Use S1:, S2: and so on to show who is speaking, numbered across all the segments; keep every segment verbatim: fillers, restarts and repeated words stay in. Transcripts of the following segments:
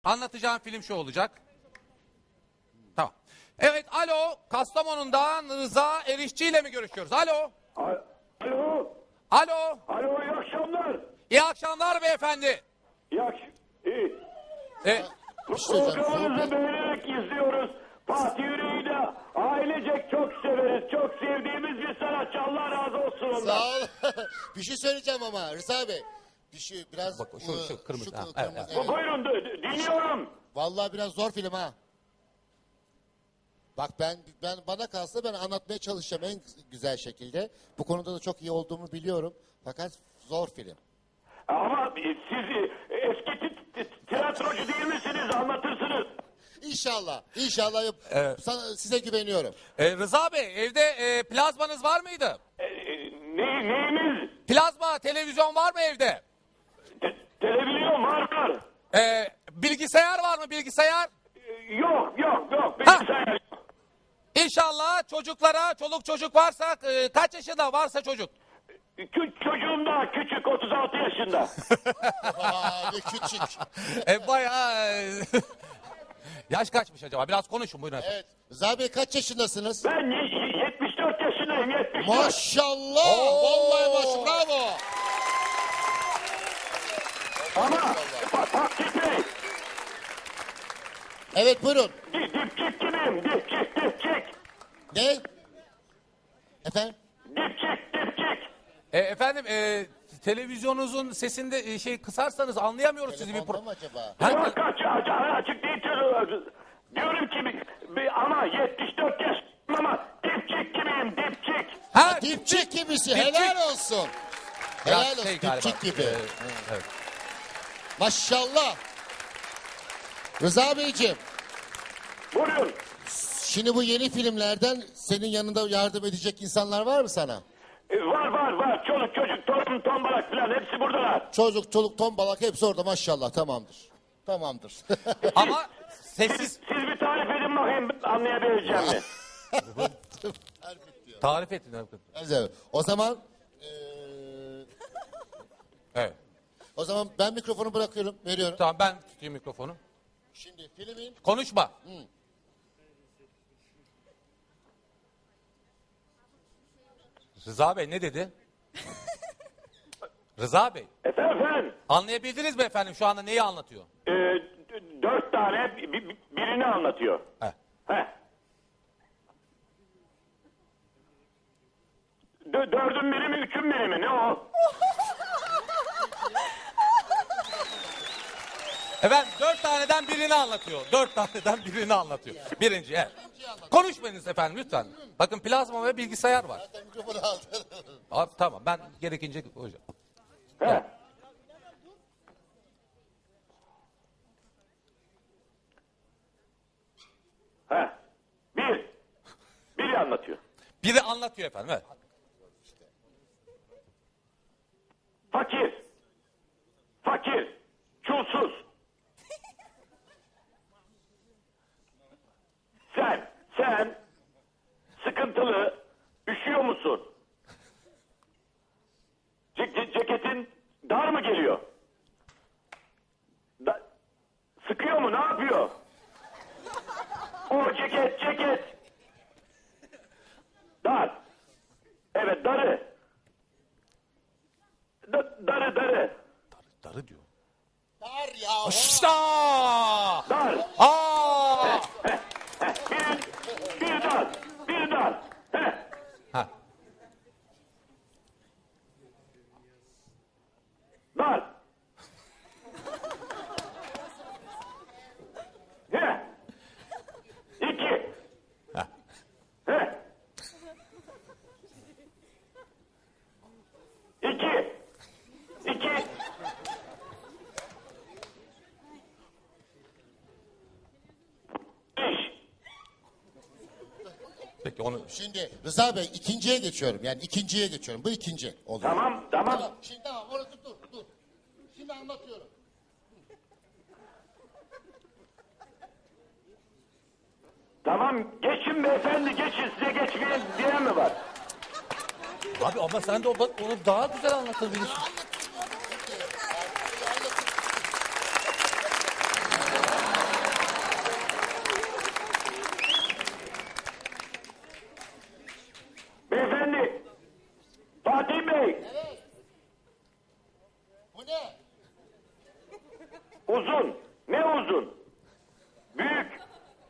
S1: Anlatacağım film şu olacak. Tamam. Evet, alo, Kastamonu'ndan Rıza Erişçi ile mi görüşüyoruz? Alo.
S2: Alo.
S1: Alo.
S2: Alo, iyi akşamlar.
S1: İyi akşamlar beyefendi.
S2: İyi akşamlar. İyi.
S1: E,
S2: Programınızı beğenerek izliyoruz. Fatih Yüreği'yle ailecek çok severiz. Çok sevdiğimiz bir sanatçı. Allah razı olsun ondan.
S3: Sağ ol. Bir şey söyleyeceğim ama Rıza Bey. Bir şey biraz...
S1: Bak, şu- şu kırmızı, ha,
S3: kırmızı,
S1: evet,
S3: evet.
S1: evet.
S2: Buyurun d- dinliyorum.
S3: Vallahi biraz zor film ha. Bak ben ben bana kalsa ben anlatmaya çalışacağım en güzel şekilde. Bu konuda da çok iyi olduğumu biliyorum. Fakat zor film.
S2: Ama siz e, eski t- t- tiyatrocu değil misiniz? Anlatırsınız.
S3: İnşallah. İnşallah yap-
S1: Evet.
S3: sana, size güveniyorum.
S1: e, Rıza Bey, evde e, plazmanız var mıydı?
S2: E, e, ne, neyimiz?
S1: Plazma, televizyon var mı evde?
S2: Te- televizyon var var.
S1: E, bilgisayar var mı, bilgisayar?
S2: E, yok yok yok. Bilgisayar yok.
S1: İnşallah çocuklara, çoluk çocuk varsa, e, kaç yaşında varsa çocuk.
S2: Kü- çocuğum daha küçük, otuz altı yaşında.
S3: Aa, ne küçük.
S1: E, bayağı... e, yaş kaçmış acaba? Biraz konuşun, buyurun efendim.
S3: Evet. Rıza Bey kaç yaşındasınız?
S2: Ben y- yetmiş dört yaşındayım, yetmiş dört.
S3: Maşallah.
S1: Oo.
S3: Vallahi maş bravo.
S2: Ama Fa- Fatih Bey,
S3: Evet buyurun.
S2: di- dipçik gibiyim, dipçik, dipçik.
S3: Ne? Efendim?
S2: Dipçik, dipçik.
S1: E, efendim, e, televizyonunuzun sesinde e, şey kısarsanız anlayamıyoruz sizi bir
S3: Telefonda
S1: pro...
S3: mı acaba?
S1: Ha,
S2: Yok kaç, açık, açık değil. tabii. Diyorum ki bir, bir- ama yetmiş dört yaşındayım ama dipçik gibiyim, dipçik.
S1: ha,
S3: Dipçik gibisi.
S1: Dipçik.
S3: Helal olsun.
S1: Biraz
S3: Helal olsun.
S1: şey galiba,
S3: Dipçik gibi.
S1: e, evet.
S3: Maşallah. Rıza Beyciğim.
S2: Buyurun.
S3: Şimdi bu yeni filmlerden senin yanında yardım edecek insanlar var mı sana?
S2: E, var var var. Çoluk çocuk, torun, tombalak falan hepsi buradalar.
S3: Çocuk, çoluk, tombalak hepsi orada maşallah tamamdır. Tamamdır.
S1: Ama
S2: Siz,
S1: sessiz
S2: siz bir tarif edin bakayım anlayabileceğim mi?
S1: tarif edin.
S3: Evet. O zaman eee,
S1: Evet.
S3: o zaman ben mikrofonu bırakıyorum, veriyorum.
S1: Tamam, ben tutayım mikrofonu.
S3: Şimdi filmin
S1: Konuşma. Rıza Bey ne dedi? Rıza Bey,
S2: Efendim, efendim.
S1: anlayabildiniz mi efendim şu anda neyi anlatıyor?
S2: E, d- dört tane bi- bi- birini anlatıyor.
S1: Heh.
S2: Heh. Dö- dördün biri mi, üçün biri mi? Ne o?
S1: Efendim dört taneden birini anlatıyor. Dört taneden birini anlatıyor. Birinci, evet. Konuşmayınız efendim lütfen. Bakın plazma ve bilgisayar var.
S3: zaten mikrofonu aldı.
S1: Abi, tamam, ben gerekince hocam.
S2: He. He. Bir. Biri anlatıyor.
S1: Biri anlatıyor efendim, evet.
S2: Fakir. Fakir. Çulsuz. Sen, sen sıkıntılı, üşüyor musun? Ce- ce- ceketin dar mı geliyor? Da- sıkıyor mu? Ne yapıyor? O ceket, ceket. Dar. Evet, darı. Da- darı, darı.
S1: Darı diyor.
S3: Dar ya.
S1: İşte!
S2: Dar.
S1: Aa!
S2: Bir, bir dar. Bir dar. Heh.
S1: Ha.
S2: Dar. Heh. İki.
S1: Ha.
S2: Heh. İki. İki. Beş.
S1: Peki onu...
S3: Şimdi Rıza Bey ikinciye geçiyorum. Yani ikinciye geçiyorum. Bu ikinci oluyor.
S2: Tamam, tamam.
S3: Tamam. Şimdi tamam orası dur dur. Şimdi anlatıyorum.
S2: Tamam, geçin beyefendi, geçin. Size geçmeyen diyen mi var?
S1: Abi ama sen de o- onu daha güzel anlatabilirsin.
S2: Uzun. Ne uzun? Büyük.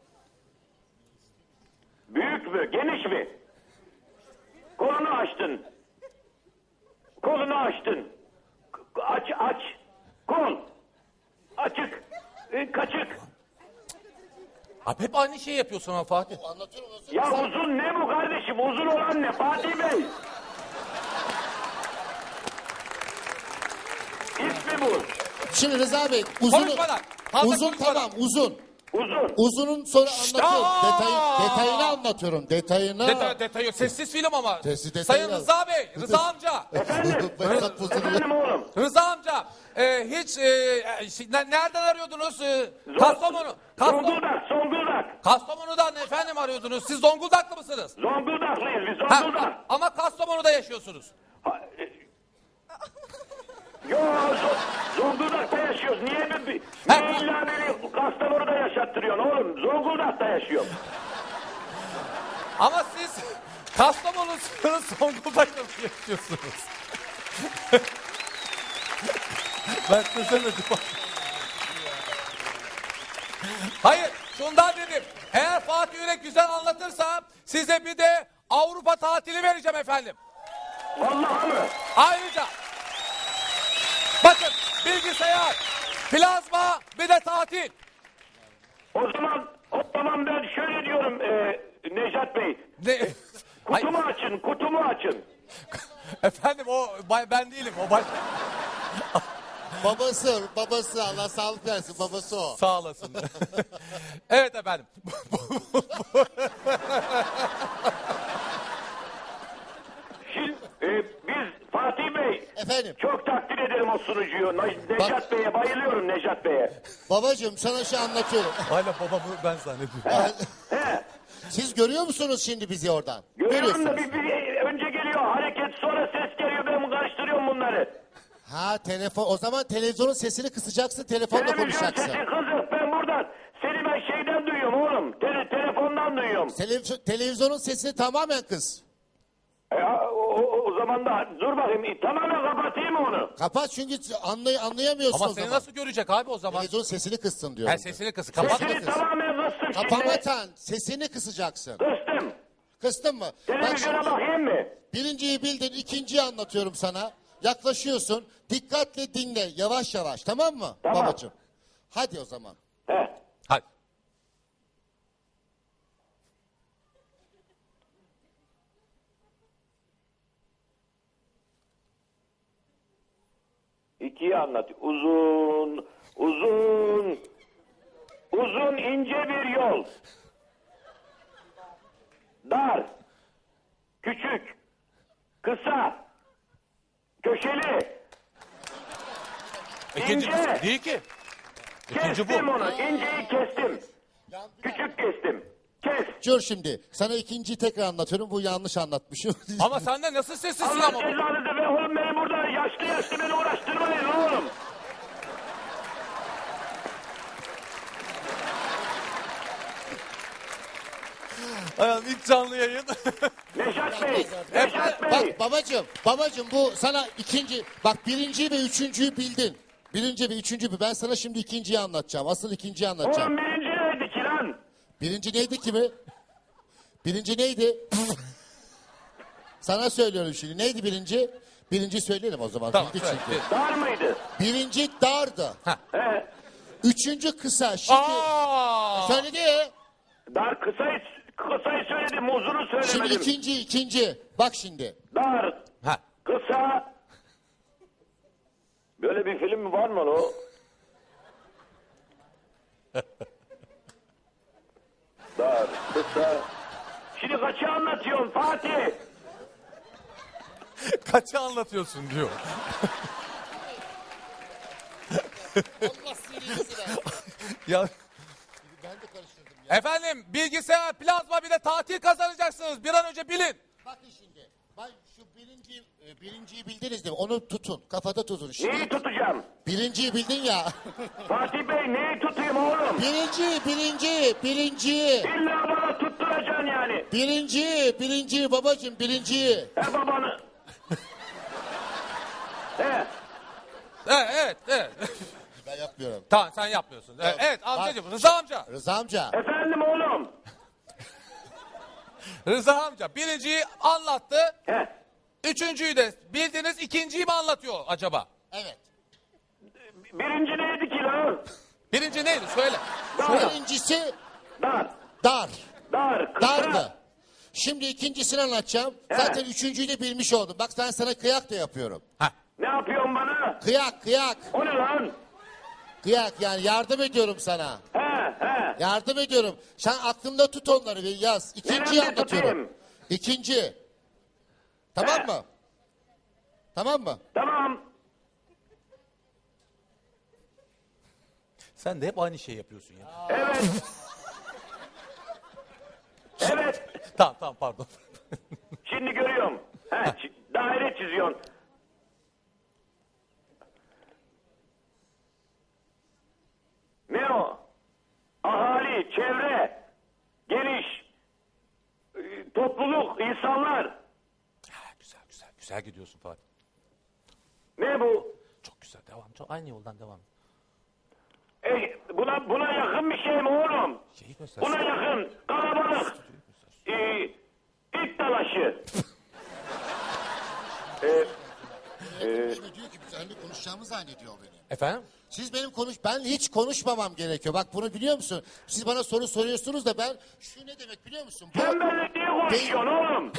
S2: Büyük mü? Geniş mi? Kolunu açtın. Kolunu açtın. K- Aç aç. Kol. Açık. E, kaçık.
S1: Abi hep aynı şeyi yapıyorsun ama Fatih.
S3: Anlatıyorum. o-
S2: Ya uzun ne bu kardeşim? Uzun olan ne? Fatih Bey. İsmi bu.
S3: Şimdi Rıza Bey uzun
S1: Konuşmadan, fazla
S3: uzun
S1: konuşmadan.
S3: tamam uzun.
S2: Uzun.
S3: Uzunun sonra anlatıyorum.
S1: aa!
S3: Detayı, detayını anlatıyorum. Detayını.
S1: Detay, detayı, sessiz film ama.
S3: Sessiz detayı
S1: Sayın
S3: yaz.
S1: Rıza Bey, Rıza amca.
S3: Behzat Fuzuli.
S2: Efendim oğlum.
S1: Rıza amca, e, hiç e, e, şey, ne- nereden arıyordunuz? E, Kastamonu. Kastamonu.
S2: Zonguldak. Zonguldak.
S1: Kastamonu'dan efendim arıyordunuz. Siz Zonguldaklı mısınız?
S2: Zonguldak'lıyız biz.
S1: Ha,
S2: Zonguldak.
S1: ama Kastamonu'da yaşıyorsunuz.
S2: Ha, e, Yo Zo- Zonguldak'ta yaşıyoruz. Niye mi? Niye
S1: Ha.
S2: illa beni Kastamonu'da yaşattırıyorsun oğlum? Zonguldak'ta yaşıyorum.
S1: Ama siz Kastamonu'sunuz, Zonguldak'ta mı yaşıyorsunuz? Ben çözemedim. Hayır, şundan dedim. Eğer Fatih Yürek güzel anlatırsa size bir de Avrupa tatili vereceğim efendim.
S2: Vallahi mı?
S1: Ayrıca bakın bilgisayar, plazma bir de tatil.
S2: O zaman o zaman ben şöyle diyorum e, Nejat Bey.
S1: Ne? Hayır,
S2: Kutumu açın, kutumu açın.
S1: efendim o bay- ben değilim o baş...
S3: Babası, babası Allah sağlık versin. Babası o.
S1: Sağ olasın. Evet efendim.
S2: Şimdi e, biz Fatih Bey
S3: Efendim,
S2: çok takdir ederim o sunucuyu. Ne- Nejat Bey'e bayılıyorum Nejat Bey'e.
S3: babacığım sana şey anlatıyorum.
S1: Hala babamı ben zannediyorum.
S2: He.
S3: Siz görüyor musunuz şimdi bizi oradan?
S2: Görüyorum da
S3: Görüyorsunuz.
S2: bir, bir önce geliyor hareket sonra ses geliyor ben karıştırıyorum bunları.
S3: Ha telefon. O zaman televizyonun sesini kısacaksın, telefonla
S2: Televizyon
S3: konuşacaksın.
S2: sesi kızım ben buradan seni ben şeyden duyuyorum oğlum. Tele, telefondan duyuyorum.
S3: Televizyon, televizyonun sesini tamamen kız.
S2: E, o, o, o zaman da dur bakayım e, tamamen kapatayım mı onu?
S3: Kapat çünkü anlay anlayamıyorsun
S1: Ama
S3: o
S1: seni
S3: zaman.
S1: nasıl görecek abi o zaman?
S3: Televizyonun sesini kıssın diyorum.
S1: Ha, sesini kıs. Kapat.
S2: Sesini
S3: kız.
S2: tamamen kıstım şimdi.
S3: Kapamatan sesini kısacaksın.
S2: Kıstım.
S3: Kıstın mı? Bak
S2: Televizyona
S3: şimdi
S2: bakayım mı?
S3: birinciyi bildin, ikinciyi anlatıyorum sana. Yaklaşıyorsun. Dikkatle dinle. Yavaş yavaş. Tamam mı?
S2: Tamam.
S3: Babacığım. Hadi o zaman.
S2: He.
S1: Hadi.
S2: İkiyi anlat. Uzun, uzun, uzun ince bir yol. Dar, küçük, kısa, köşeli.
S1: İkinci
S2: İnce.
S1: kız değil ki. İkinci bu.
S2: Kestim onu. İnceyi kestim. Küçük kestim. Kes.
S3: Dur şimdi. Sana ikinciyi tekrar anlatıyorum. Bu yanlış anlatmışım.
S1: Ama sen de nasıl sessizsin
S2: Allah
S1: ama?
S2: cezanızı be oğlum beni burada yaşlı yaşlı beni uğraştırmayın oğlum.
S1: Ayağım ilk canlı yayın.
S2: Nejat Bey, Nejat Bey.
S3: Bak babacığım. Babacığım bu sana ikinci. Bak birinciyi ve üçüncüyü bildin. Birinci ve üçüncü. Ben sana şimdi ikinciyi anlatacağım. Asıl ikinciyi anlatacağım.
S2: Oğlum birinci neydi ki lan?
S3: Birinci neydi ki mi? Birinci neydi? Sana söylüyorum şimdi. Neydi birinci? Birinci söyleyelim o zaman.
S1: Tamam,
S3: Bildi
S1: söyle,
S3: çünkü.
S1: bil.
S2: Dar mıydı?
S3: Birinci dardı.
S2: He.
S3: Üçüncü kısa. Şimdi
S1: Aa!
S3: söyledi.
S2: Dar kısayı, kısayı söyledim uzunu
S3: Şimdi
S2: söylemedim.
S3: ikinci ikinci. Bak şimdi.
S2: Dar,
S1: Ha.
S2: kısa. Böyle bir film mi var mı lan o? Dar, kısa. Şimdi kaçı anlatıyorsun Fatih?
S1: Kaçı anlatıyorsun diyor.
S3: Allah sinirlisine.
S1: Ya
S3: Ben de karıştırdım ya.
S1: efendim bilgisayar, plazma bir de tatil kazanacaksınız. Bir an önce bilin.
S3: Bakın şimdi. Ben şu birinci, e, birinciyi bildiniz değil mi? Onu tutun. Kafada tutun. Şimdi
S2: Neyi tutacağım?
S3: birinciyi bildin ya.
S2: Fatih Bey neyi tutayım oğlum?
S3: birinci, birinci, birinci.
S2: İlla bana tutturacaksın yani.
S3: Birinci, birinci babacığım birinciyi.
S2: He babanı. He.
S1: Evet, evet, evet.
S3: Ben yaptım. yapmıyorum.
S1: Tamam sen yapmıyorsun. Evet, evet amcacığım Rıza amca.
S3: Rıza amca.
S2: Efendim oğlum.
S1: Rıza amca birinciyi anlattı.
S2: Heh.
S1: Üçüncüyü de bildiniz. İkinciyi mi anlatıyor acaba?
S3: Evet.
S2: Birinci neydi ki lan?
S1: Birinci neydi? Söyle.
S2: Dar.
S3: Birincisi
S2: Dar.
S3: dar.
S2: Dar. Kısa.
S3: Dardı. Şimdi ikincisini anlatacağım. Zaten üçüncüyü de bilmiş oldum. Bak ben sana kıyak da yapıyorum.
S1: Ha.
S2: Ne yapıyorsun bana?
S3: Kıyak kıyak.
S2: O ne lan?
S3: Kıyak yani yardım ediyorum sana.
S2: He he.
S3: Yardım ediyorum. Sen aklında tut onları bir yaz. İkinciyi
S2: Nerede
S3: anlatıyorum.
S2: tutayım?
S3: İkinci. Tamam
S2: He.
S3: mı? Tamam mı?
S2: Tamam.
S1: Sen de hep aynı şeyi yapıyorsun ya.
S2: Evet. Evet.
S1: Tamam tamam pardon.
S2: Şimdi görüyorum. He, çi- daire çiziyorsun. Ne o? Ahali, çevre, geniş, e, topluluk, insanlar.
S1: Ha, güzel güzel güzel gidiyorsun Fatih.
S2: Ne bu?
S1: Çok güzel devam. Çok aynı yoldan devam.
S2: E, buna buna yakın bir şey mi oğlum?
S1: Şeyi göstersin.
S2: Buna yakın, kalabalık, e, it dalaşı. e,
S3: diyor ki seninle konuşacağımı zannediyor beni.
S1: Efendim?
S3: Siz benim konuş ben hiç konuşmamam gerekiyor. Bak bunu biliyor musun? Siz bana soru soruyorsunuz da ben şu ne demek biliyor musun? Bu
S2: sen benimle niye konuşuyorsun oğlum?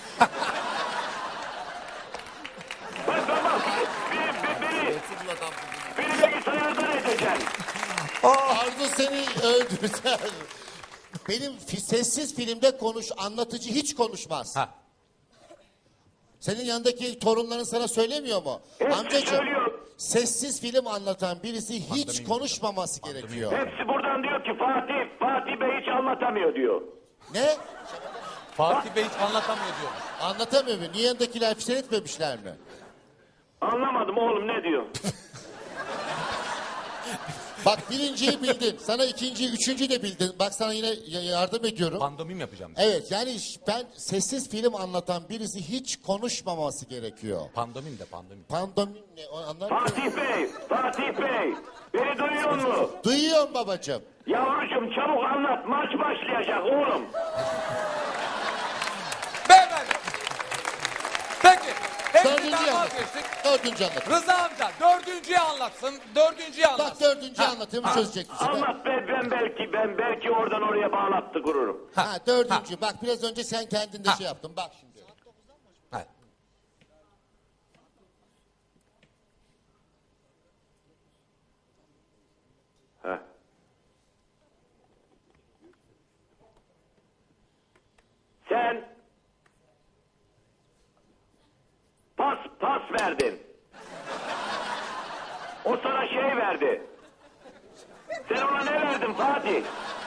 S2: Bak bak bak, beni, beni, beni, beni bilgisayardan edeceksin.
S3: Arzu seni öldürür. Benim fi- sessiz filmde konuş anlatıcı hiç konuşmaz.
S1: Ha.
S3: Senin yanındaki torunların sana söylemiyor mu?
S2: Hepsi
S3: Amcacığım
S2: söylüyor.
S3: sessiz film anlatan birisi hiç
S1: Pandomim
S3: konuşmaması gerekiyor.
S2: Hepsi buradan diyor ki Fatih, Fatih Bey hiç anlatamıyor diyor.
S3: Ne?
S1: Fatih Bey hiç anlatamıyor diyor.
S3: Anlatamıyor mu? Niye yanındakiler filan etmemişler mi?
S2: Anlamadım oğlum ne diyor?
S3: Bak birinciyi bildin. Sana ikinciyi, üçüncüyü de bildin. Bak sana yine y- yardım ediyorum.
S1: Pandomim yapacağım.
S3: Evet yani ş- ben sessiz film anlatan birisi hiç konuşmaması gerekiyor.
S1: Pandomim de pandomim.
S3: Pandomim ne? O anlar mısın?
S2: Fatih Bey, Fatih Bey, beni duyuyor mu?
S3: Duyuyorum babacığım.
S2: Yavrucuğum çabuk anlat, maç başlayacak oğlum.
S1: Beyefendi. Peki.
S3: Dördüncüyü
S1: Hepsinden
S3: anlat.
S1: vazgeçtik.
S3: Dördüncü anlat.
S1: Rıza amca dördüncüyü anlatsın. Dördüncüyü anlatsın.
S3: Bak dördüncüyü
S1: Ha,
S3: anlatayım
S1: ha,
S3: çözecek bu sefer.
S2: Anlat be, ben belki ben belki oradan oraya bağlattı kururum.
S3: Ha dördüncü. Bak biraz önce sen kendin de
S1: Ha.
S3: şey yaptın. Bak şimdi.
S1: ha.
S2: Heh. Sen pas pas verdin. O sana şey verdi. Sen ona ne verdin Fatih?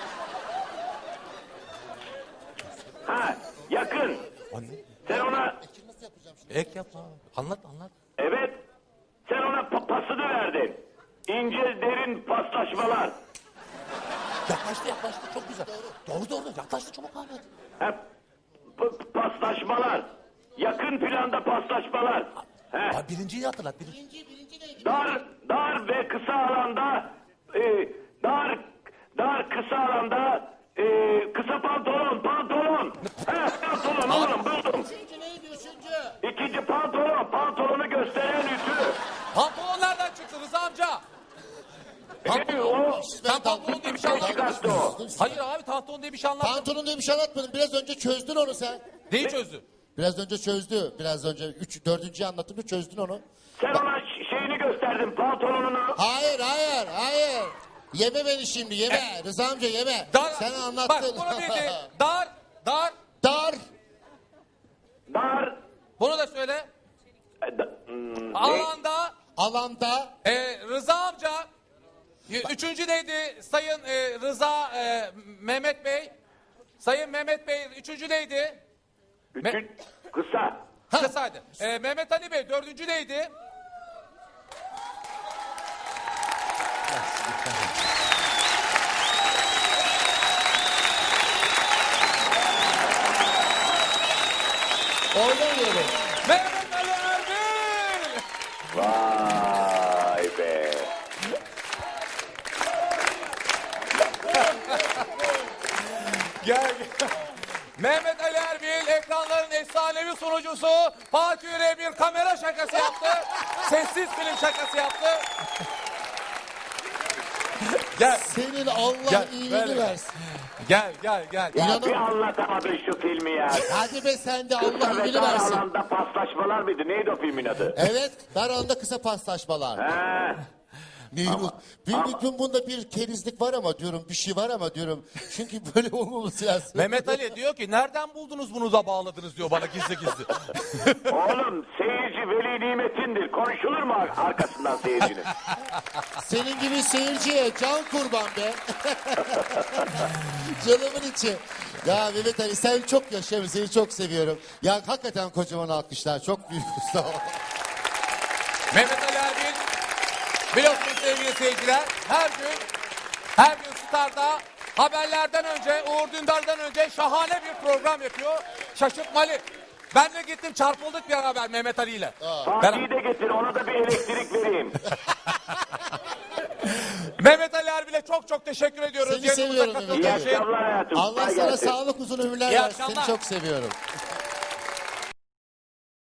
S2: Ha, yakın.
S1: Anne.
S2: Sen ona
S1: Ek yapma. Anlat anlat.
S2: evet. Sen ona pa- pasını verdin. İnce derin paslaşmalar.
S1: Yaklaştı yaklaştı çok güzel. Doğru doğru yaklaştı çabuk Ahmet.
S2: Hep p- paslaşmalar. Yakın planda paslaşmalar. He.
S1: Ha, birinciyi hatırlat. Birinci.
S2: Dar dar ve kısa alanda e, dar dar kısa alanda e, kısa pantolon pantolon. He, pantolon oğlum buldum. İkinci pantolon pantolonu gösteren ütü.
S1: Pantolon nereden çıktı Rıza amca?
S2: E, o
S1: Sen pantolon diye bir şey anlatmadın.
S2: çıkarttı o.
S1: Hayır abi pantolon diye bir şey anlatmadın.
S3: Pantolon diye bir şey anlatmadın. Biraz önce çözdün onu sen.
S1: Neyi çözdü?
S3: Biraz önce çözdü. Biraz önce üç, dördüncüyü anlattığımda çözdün onu.
S2: Sen ona ş- şeyini gösterdin pantolonunu.
S3: Hayır hayır hayır. Yeme beni şimdi yeme. Rıza amca yeme.
S1: Dar,
S3: Sen anlattın.
S1: Bak bunu bildi. Dar, dar.
S3: Dar.
S2: Dar
S1: Bunu da söyle.
S2: e, da- hmm, ne?
S1: Alanda
S3: Alanda.
S1: e, Rıza amca. y- Üçüncü neydi? Sayın e, Rıza e, Mehmet Bey. Sayın Mehmet Bey üçüncü neydi?
S2: Ütü kısa.
S1: Kısaydı. E, Mehmet Ali Bey dördüncü neydi?
S3: Oynamıyorum.
S1: Mehmet Ali Erbil.
S2: Vay be.
S1: Gel gel. Mehmet Ali Erbil ekranların efsanevi sunucusu Fatih Yüreğe bir kamera şakası yaptı. Sessiz film şakası yaptı. Gel.
S3: Senin Allah
S1: Gel,
S3: iyiliğini
S1: böyle.
S3: versin.
S1: Gel gel gel.
S2: Ya
S3: İnanın-
S2: bir anlatamadın şu filmi ya.
S3: Hadi be sen de Allah
S2: Kısa ve
S3: iyiliğini
S2: dar
S3: versin.
S2: alanda paslaşmalar mıydı? Neydi o filmin adı?
S3: Evet, dar alanda kısa paslaşmalar.
S2: He.
S3: Neymiş? Bir, bir, bunda bir kerizlik var ama diyorum, bir şey var ama diyorum. Çünkü böyle olmaması lazım.
S1: Mehmet Ali diyor ki nereden buldunuz bunu da bağladınız diyor bana gizli gizli.
S2: Oğlum seyirci veli nimetindir. Konuşulur mu ar- arkasından seyircinin?
S3: Senin gibi seyirciye can kurban be. Canımın içi. Ya Mehmet Ali sen çok yaşa, seni çok seviyorum. Ya hakikaten kocaman alkışlar, çok büyük sağ ol.
S1: Mehmet Ali Erbil biliyorsunuz sevgili seyirciler her gün her gün Star'da haberlerden önce Uğur Dündar'dan önce şahane bir program yapıyor. Şaşırtmalı. Ben de gittim çarpıldık bir haber Mehmet Ali ile.
S2: Fatih'i de getir ona da bir elektrik vereyim.
S1: Mehmet Ali Erbil'e çok çok teşekkür ediyoruz.
S3: Seni
S1: Yanımıza
S3: seviyorum
S1: katıldığı
S2: İyi
S3: Mehmet Ali.
S1: için.
S2: akşamlar hayatım.
S3: Allah
S2: Kolay
S3: sana
S2: gelsin.
S3: sağlık uzun ömürler
S1: İyi
S3: versin. Seni
S1: akşamlar.
S3: çok seviyorum.